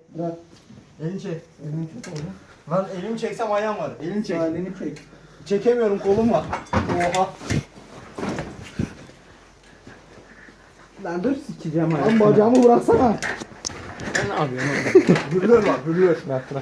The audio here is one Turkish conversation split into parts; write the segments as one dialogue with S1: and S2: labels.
S1: Bırak.
S2: Elini çek.
S1: Elini çek oğlum.
S2: Lan elimi çeksem ayağım var. Elini çek.
S1: Elini çek.
S2: Çekemiyorum, kolum var. Oha.
S1: Lan dur sikeceğim ha.
S2: Lan bacağımı bıraksana.
S1: Sen ne yapıyorsun?
S2: Hürlüyor bak, hürlüyor.
S1: Bırak.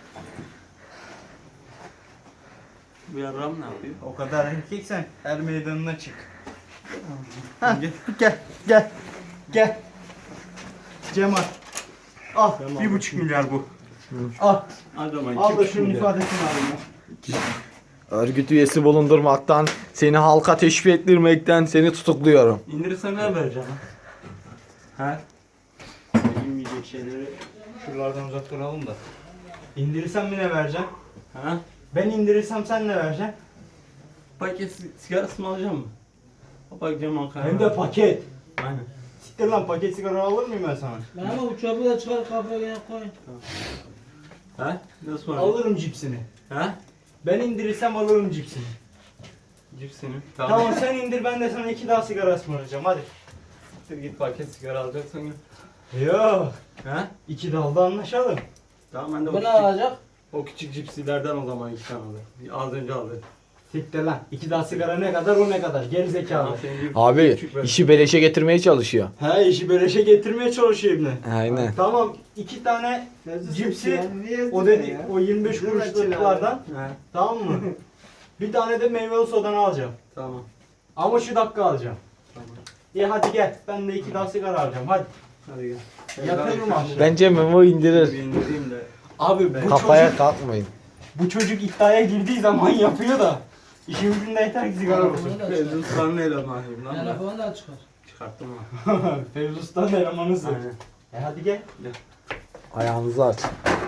S3: Bu yarram ne yapıyor?
S2: O kadar erkeksen her meydanına çık. Ha, gel. Cemal. Al,
S3: Cemal.
S2: 1,5 milyar bu. Al,
S3: Hadi ama
S2: al da şunun ifadesini alayım.
S4: Örgüt üyesi bulundurmaktan, seni halka teşvik ettirmekten seni tutukluyorum.
S3: İndirirsen ne vereceğim? Ha?
S2: Bilmeyecek şeyleri şuralardan uzak duralım da. İndirirsem mi ne vereceksin?
S3: Ha?
S2: Ben indirirsem sen ne vereceksin?
S3: Paket sigarası mı alacağım mı? O bakacağım Ankara'ya.
S2: Hem de paket.
S3: Aynen.
S2: Siktir lan, paket sigara alır mıyım ben sana?
S5: Lan ama bu çöpü de çıkar kafaya koy.
S3: Ha? Nasıl var?
S2: Alırım cipsini.
S3: Ha?
S2: Ben indirirsem alırım cipsini.
S3: Cipsini.
S2: Tamam sen indir, ben de sana 2 daha sigara ısmarlayacağım, hadi.
S3: Siktir git paket sigara alacaksan ya.
S2: Yok.
S3: Ha?
S2: 2 dalda anlaşalım.
S3: Tamam ben de
S5: Bu ne alacak?
S3: o küçük cipsilerden o zaman 2 tane alırım. Az önce aldım.
S2: Siktir lan. 2 daha sigara ne kadar, o ne kadar? Geri zekalı.
S4: Abi
S3: Küçük ver.
S4: işi beleşe getirmeye çalışıyor.
S2: He, işi beleşe getirmeye çalışıyor ibne.
S4: Aynen.
S2: Tamam, 2 tane cipsi,
S1: Niye
S2: o dedi, o 25 kuruşluklardan,
S3: Ha?
S2: tamam mı? Bir tane de meyveli sodanı alacağım.
S3: Tamam.
S2: Ama şu dakika alacağım.
S3: Tamam.
S2: İyi hadi gel, ben de 2 daha sigara alacağım, hadi.
S3: Hadi gel.
S2: Yatırırım aşağı.
S4: Bence Memo
S3: Bir
S4: indirir.
S3: indireyim de.
S2: Abi
S4: Kafaya kalkmayın.
S2: bu çocuk iddiaya girdiği zaman yapıyor da. İşin ucunda yeter ki sigara olsun.
S5: Telefonu da çıkar.
S3: Fevzi Usta'nın elemanıyım lan ben.
S5: Telefonu da çıkar.
S3: Çıkarttım ha.
S2: Fevzi Usta'nın elemanısın.
S3: Aynen.
S2: Hadi gel.
S4: Ayağınızı aç.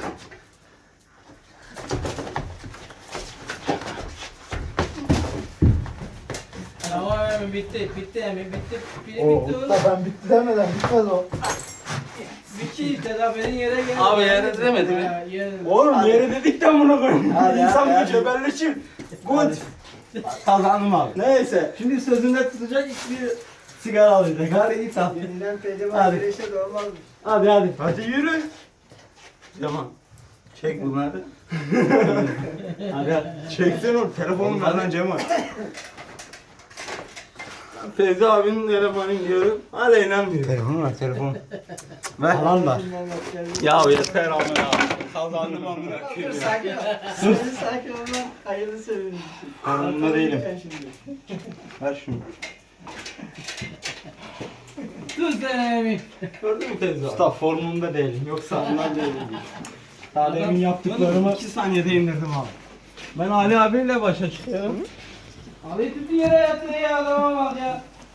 S5: Tamam emin bitti emin bitti. Biri
S2: O
S5: bitti oğlum.
S2: usta, ben bitti demeden bitmez o.
S5: Bitti işte daha benim yere geldi.
S3: Abi yere demedi mi?
S5: Ha, yere.
S2: Oğlum yere dedikten bunu koyun.
S1: Hadi,
S2: İnsan
S1: hadi,
S2: bir cebelleşir. Good. Kazandım abi. Neyse. Şimdi sözünde tutacak, bir sigara alacak. Hadi git al.
S1: Yeniden pehlivan
S2: Hadi.
S1: güreşe de olmazmış.
S2: Hadi. Hadi yürü.
S3: Tamam. Çek bunları.
S2: Hadi. Çeksen oğlum. Telefonum ver lan Cemal.
S3: Fevzi abinin elemanıyım diyorum. Hala inanmıyor.
S2: Telefonu ver, telefonu. Ver. Alan var.
S3: Ya yeter amına abi. Kazandım amına koyayım ya.
S1: Sakin ol lan. Hayırlı sevindim.
S2: Konumunda değilim. Ver şunu.
S5: Dur sen emin.
S3: Gördün mü Fevzi abi?
S2: Usta formumda değilim. Yoksa ondan değilim. Daha demin
S3: Bunu
S2: yaptıklarımı
S3: 2 saniyede indirdim abi. Ben Ali abiyle başa çıkıyorum.
S5: Ali tutun yere yatır ya adama bak ya.